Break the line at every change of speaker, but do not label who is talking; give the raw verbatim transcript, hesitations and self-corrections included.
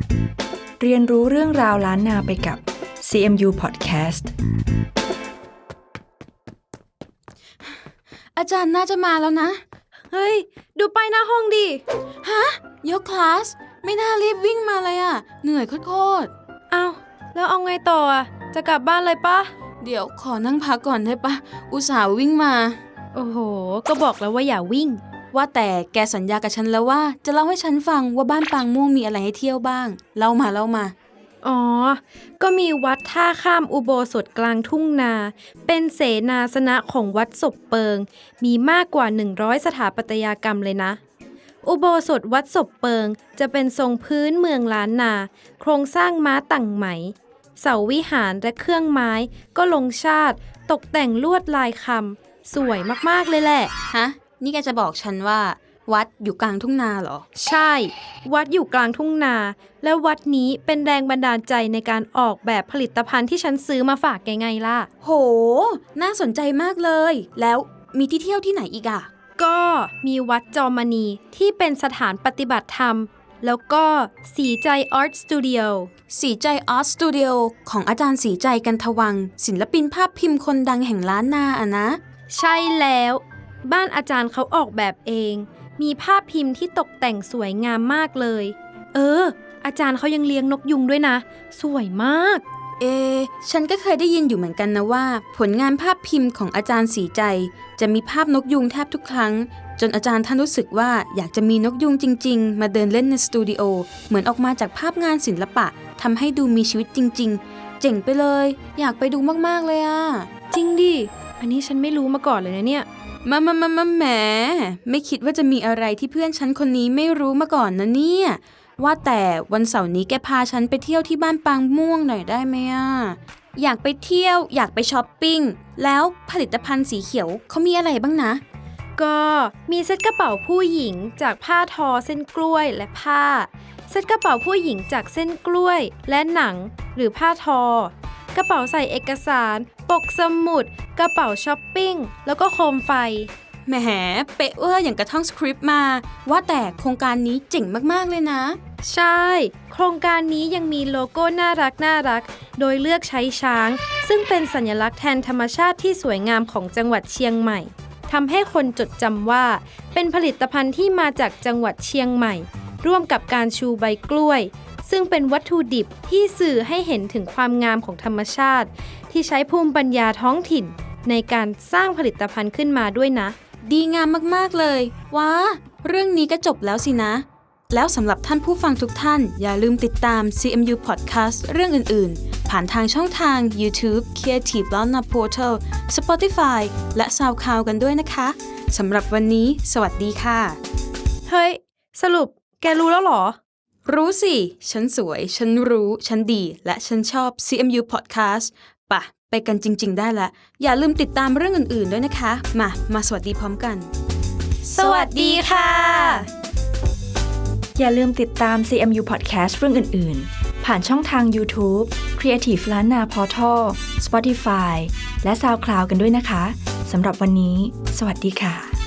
เรียนรู้เรื่องราวล้านนาไปกับ ซี เอ็ม ยู Podcast
อาจารย์น่าจะมาแล้วนะ
เฮ้ยดูไปหน้าห้องดิ
ฮะยกคลาสไม่น่ารีบวิ่งมาเลยอะเหนื่อยโคตร
ๆอ้าวแล้วเอาไงต่ออะจะกลับบ้านเลยปะ
เดี๋ยวขอนั่งพักก่อนได้ปะอุตส่าห์วิ่งมา
โอ้โหก็บอกแล้วว่าอย่าวิ่ง
ว่าแต่แกสัญญากับฉันแล้วว่าจะเล่าให้ฉันฟังว่าบ้านปางม่วงมีอะไรให้เที่ยวบ้างเล่ามาเล่ามา
อ๋อก็มีวัดท่าข้ามอุโบสถกลางทุ่งนาเป็นเสนาสนะของวัดศพเปิงมีมากกว่าหนึ่งร้อยสถาปัตยกรรมเลยนะอุโบสถวัดศพเปิงจะเป็นทรงพื้นเมืองล้านนาโครงสร้างม้าตั่งไหมเสาวิหารและเครื่องไม้ก็ลงชาติตกแต่งลวดลายคำสวยมากๆเลยแหละ
ฮะนี่แกจะบอกฉันว่าวัดอยู่กลางทุ่งนาเหรอ
ใช่วัดอยู่กลางทุ่งนาและวัดนี้เป็นแรงบันดาลใจในการออกแบบผลิตภัณฑ์ที่ฉันซื้อมาฝากแกไงล่ะ
โหน่าสนใจมากเลยแล้วมีที่เที่ยวที่ไหนอีกอ่ะ
ก็มีวัดจอมณีที่เป็นสถานปฏิบัติธรรมแล้วก็สีใจอาร์ตสตูดิโอ
สีใจอาร์ตสตูดิโอของอาจารย์สีใจกันทวังศิลปินภาพพิมพ์คนดังแห่งล้านนาอ่ะนะ
ใช่แล้วบ้านอาจารย์เขาออกแบบเองมีภาพพิมพ์ที่ตกแต่งสวยงามมากเลยเอออาจารย์เขายังเลี้ยงนกยุงด้วยนะสวยมาก
เอฉันก็เคยได้ยินอยู่เหมือนกันนะว่าผลงานภาพพิมพ์ของอาจารย์สีใจจะมีภาพนกยุงแทบทุกครั้งจนอาจารย์ท่านรู้สึกว่าอยากจะมีนกยุงจริงๆมาเดินเล่นในสตูดิโอเหมือนออกมาจากภาพงานศิลปะทำให้ดูมีชีวิตจริงๆเจ๋งไปเลยอยากไปดูมากๆเลยอ่ะ
จริงดิอันนี้ฉันไม่รู้มาก่อนเลยนะเนี่ย
มามามามาแหมไม่คิดว่าจะมีอะไรที่เพื่อนฉันคนนี้ไม่รู้มาก่อนนะเนี่ยว่าแต่วันเสาร์นี้แกพาฉันไปเที่ยวที่บ้านปางม่วงหน่อยได้ไหมอ่ะอยากไปเที่ยวอยากไปช้อปปิ้งแล้วผลิตภัณฑ์สีเขียวเขามีอะไรบ้างนะ
ก็มีเซ็ตกระเป๋าผู้หญิงจากผ้าทอเส้นกล้วยและผ้าเซ็ตกระเป๋าผู้หญิงจากเส้นกล้วยและหนังหรือผ้าทอกระเป๋าใส่เอกสารปกสมุดกระเป๋าช้อปปิ้งแล้วก็โคมไฟ
แหมเป๊ะเวอร์อย่างกระท่องสคริปต์มาว่าแต่โครงการนี้เจ๋งมากๆเลยนะ
ใช่โครงการนี้ยังมีโลโก้น่ารักน่ารักโดยเลือกใช้ช้างซึ่งเป็นสัญลักษณ์แทนธรรมชาติที่สวยงามของจังหวัดเชียงใหม่ทำให้คนจดจำว่าเป็นผลิตภัณฑ์ที่มาจากจังหวัดเชียงใหม่ร่วมกับการชูใบกล้วยซึ่งเป็นวัตถุดิบที่สื่อให้เห็นถึงความงามของธรรมชาติที่ใช้ภูมิปัญญาท้องถิ่นในการสร้างผลิตภัณฑ์ขึ้นมาด้วยนะ
ดีงามมากๆเลยว้าเรื่องนี้ก็จบแล้วสินะแล้วสำหรับท่านผู้ฟังทุกท่านอย่าลืมติดตาม ซี เอ็ม ยู Podcast เรื่องอื่นๆผ่านทางช่องทาง YouTube Creative Lana Portal Spotify และ SoundCloud กันด้วยนะคะสำหรับวันนี้สวัสดีค่ะ
เฮ้ยสรุปแกรู้แล้วเหรอ
รู้สิฉันสวยฉันรู้ฉันดีและฉันชอบ ซี เอ็ม ยู Podcast ปะไปกันจริงๆได้ละอย่าลืมติดตามเรื่องอื่นๆด้วยนะคะมามาสวัสดีพร้อมกัน
สวัสดีค่ะ
อย่าลืมติดตาม ซี เอ็ม ยู Podcast เรื่องอื่นๆผ่านช่องทาง YouTube Creative Lana Portal Spotify และ SoundCloud กันด้วยนะคะสำหรับวันนี้สวัสดีค่ะ